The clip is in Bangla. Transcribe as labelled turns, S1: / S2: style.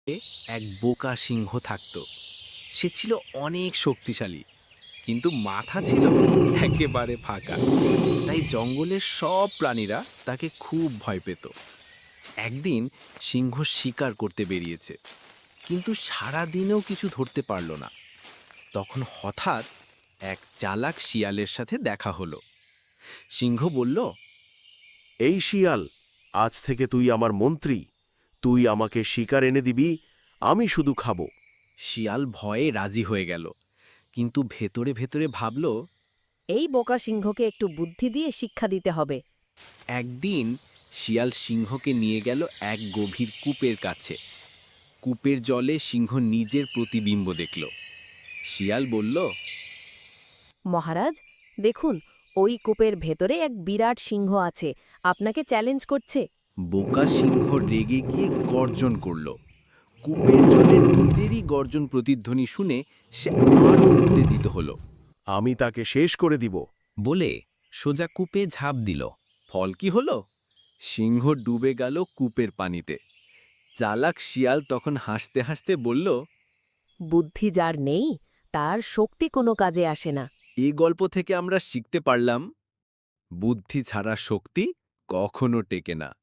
S1: এক বোকা সিংহ থাকত। সে ছিল অনেক শক্তিশালী, কিন্তু মাথা ছিল একেবারে ফাঁকা। তাই জঙ্গলের সব প্রাণীরা তাকে খুব ভয় পেত। একদিন সিংহ শিকার করতে বেরিয়েছে, কিন্তু সারা দিনেও কিছু ধরতে পারল না। তখন হঠাৎ এক চালাক শিয়ালের সাথে দেখা হলো। সিংহ বলল,
S2: এই শিয়াল, আজ থেকে তুই আমার মন্ত্রী। তুই আমাকে শিকার এনে দিবি, আমি শুধু খাবো।
S1: শিয়াল ভয়ে রাজি হয়ে গেল, কিন্তু ভেতরে ভেতরে ভাবল।
S3: এই বোকা সিংহকে একটু বুদ্ধি দিয়ে শিক্ষা দিতে হবে।
S1: একদিন শিয়াল সিংহকে নিয়ে গেল এক গভীর কূপের কাছে। কূপের জলে সিংহ নিজের প্রতিবিম্ব দেখল। শিয়াল বলল,
S3: মহারাজ, দেখুন, ওই কূপের ভেতরে এক বিরাট সিংহ আছে, আপনাকে চ্যালেঞ্জ করছে।
S1: বোকা সিংহ রেগে গিয়ে গর্জন করল। কূপের জলের নিজেরই গর্জন প্রতিধ্বনি শুনে সে আরো উত্তেজিত হল।
S2: আমি তাকে শেষ করে দিব।
S1: বলে সোজা কূপে ঝাঁপ দিল। ফল কি হলো? সিংহ ডুবে গেল কূপের পানিতে। চালাক শিয়াল তখন হাসতে হাসতে বলল,
S3: বুদ্ধি যার নেই, তার শক্তি কোনো কাজে আসে না।
S1: এই গল্প থেকে আমরা শিখতে পারলাম, বুদ্ধি ছাড়া শক্তি কখনো টেকে না।